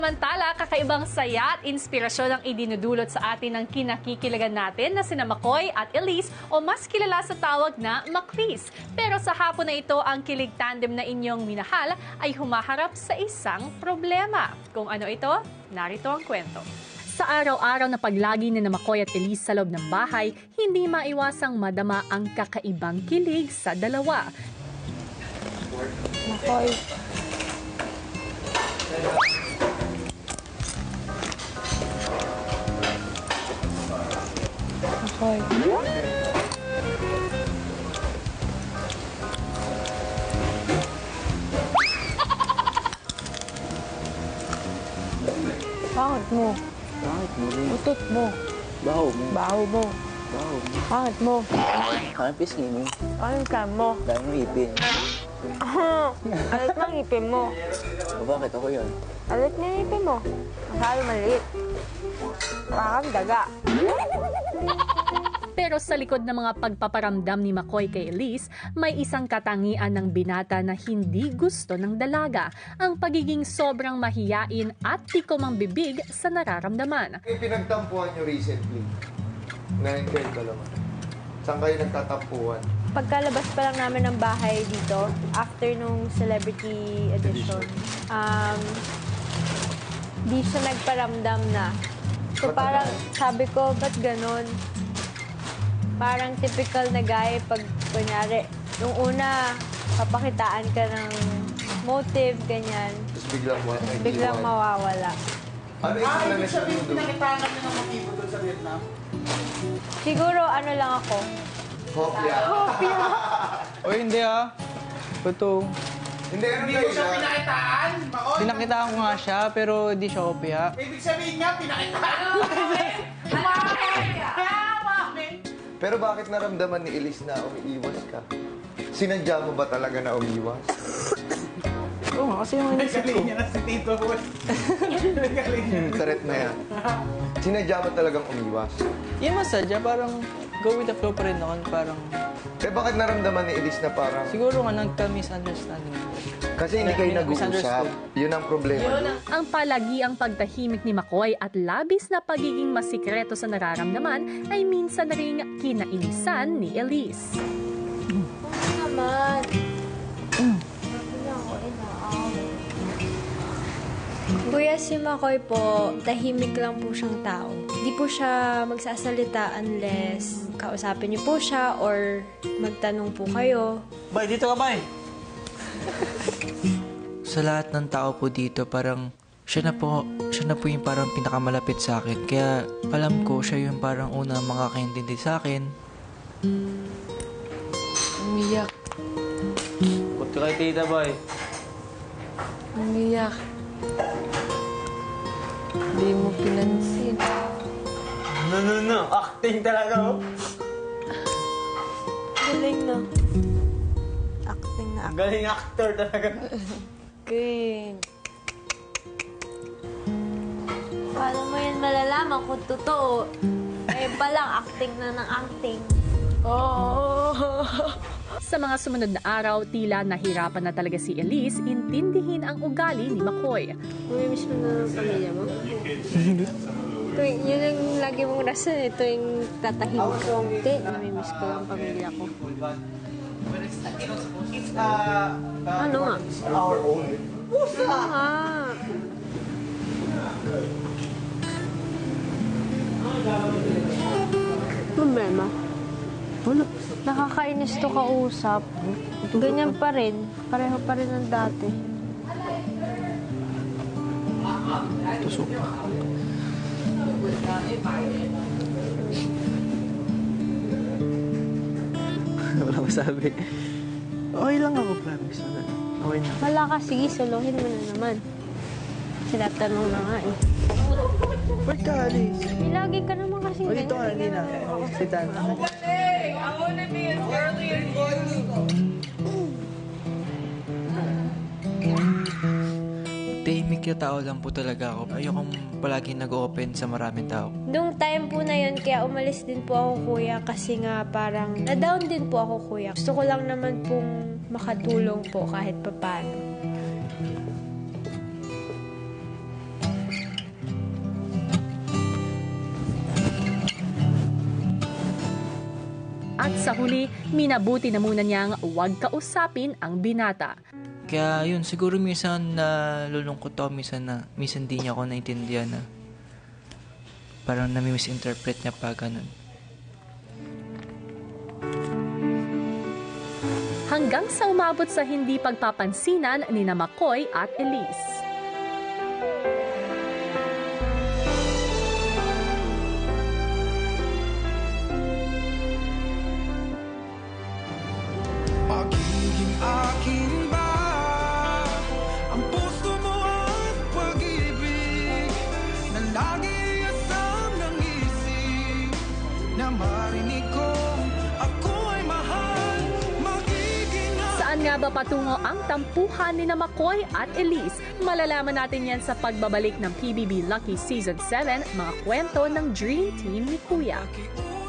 Samantala, kakaibang saya at inspirasyon ang idinudulot sa atin ng kinakikilagan natin na sina McCoy at Elise o mas kilala sa tawag na Macris. Pero sa hapon na ito, ang kilig tandem na inyong minahal ay humaharap sa isang problema. Kung ano ito, narito ang kwento. Sa araw-araw na paglagi ni McCoy at Elise sa loob ng bahay, hindi maiwasang madama ang kakaibang kilig sa dalawa. McCoy. McCoy. Pangit mo. Bakit mo rin? Utot mo. Baho mo. Baho mo. Baho mo. Pangit mo. Anong pisngi mo? Anong plan mo? Dahil mo ipin. Alit ng ipin mo. O bakit ako yun? Alit na yung ipin mo. Masyado maliit. Parang daga. Pero sa likod ng mga pagpaparamdam ni McCoy kay Elise, may isang katangian ng binata na hindi gusto ng dalaga, ang pagiging sobrang mahiyain at tikom ang bibig sa nararamdaman. Yung pinagtampuhan nyo recently, ngayon kayo dalawa, saan kayo nagtatampuhan? Pagkalabas pa lang namin ng bahay dito, after nung celebrity edition, di siya nagparamdam na. So parang sabi ko, ba't ganon? Parang typical na guy pag kunyari, nung una, papakitaan ka ng motive, ganyan. Tapos Biglang mawawala. Ano yung sila na siya Pinakitaan kami ng motibo doon sa Vietnam. Siguro ano lang ako, Hopya. O hindi Ito. Hindi, ano Hindi kayo ko siya na? pinakitaan. Maon. Pinakitaan ko nga siya, pero di siya kopya. Ibig sabihin nga, pinakitaan. Pero bakit naramdaman ni Elise na umiiwas ka? Sinadya mo ba talaga na umiiwas? Oo nga, kasi yung inisip ko. Galing niya na si Tito Boy. Galing niya. Threat na yan. Sinadya mo talagang umiiwas? Yung masadya, parang go with the flow pa rin ako. Parang, Bakit naramdaman ni Elise na parang... siguro nga nagka-misunderstanding. Kasi hindi kayo nag-uusap. Misunderstood. Yun ang problema. Ang palagiang pagtahimik ni McCoy at labis na pagiging masikreto sa nararamdaman ay minsan na ring kinainisan ni Elise. naman. Kuya, si McCoy po, tahimik lang po siyang tao. Di po siya magsasalita unless kausapin niyo po siya or magtanong po kayo. Bay, dito ka, Bay. Sa lahat ng tao po dito, parang siya na po yung parang pinakamalapit sa akin. Kaya alam ko, siya yung parang unang makakaintindi sa akin. Umiyak. Punta kay Tita, Bay. Umiyak. Hindi mo pinansin. No. Acting talaga, oh. Galing na. Acting na acting. Galing actor talaga. King. Paano mo yan malalaman kung totoo? Eh, palang acting na ng acting. Oh. Sa mga sumunod na araw, tila nahirapan na talaga si Elise intindihin ang ugali ni McCoy. Mamimiss mo na ng pamilya mo? Yun ang lagi mong rason eh. Tuwing tatahimik ka unti, mamimiss ko ang pamilya ko. Ano nga? Our own. Ano nga? Problema? Wala. Nakakainis to kausap. Ganyan pa rin. Pareho pa rin ng dati. Tusok pa. Wala masabi. Okay lang ako, promise. Okay na. Wala ka, sige, solohin mo na naman. Sinatanong na nga eh. Ba't ka, Alice? Lagi ka naman kasing O, dito ka, hindi na. Si Tana. Tahimik yung tao lang po talaga ako. Ayokong palagi nag-open sa maraming tao. Nung time po na yun, kaya umalis din po ako, kuya, kasi nga parang na-down din po ako, kuya. Gusto ko lang naman pong makatulong po kahit papaano. At sa huli, minabuti na muna niyang huwag kausapin ang binata. Kaya yun, siguro minsan nalulungkot ako, minsan di niya ako naintindihan na parang nami-misinterpret niya pa ganun. Hanggang sa umabot sa hindi pagpapansinan ni na McCoy at Elise. Magiging akin ba ang puso mo at pag-ibig na lagi asam ng isip na marinig ko ako ay mahal. Magiging Saan nga ba patungo ang tampuhan ni na McCoy at Elise? Malalaman natin yan sa pagbabalik ng PBB Lucky Season 7, mga kwento ng Dream Team ni Kuya. aking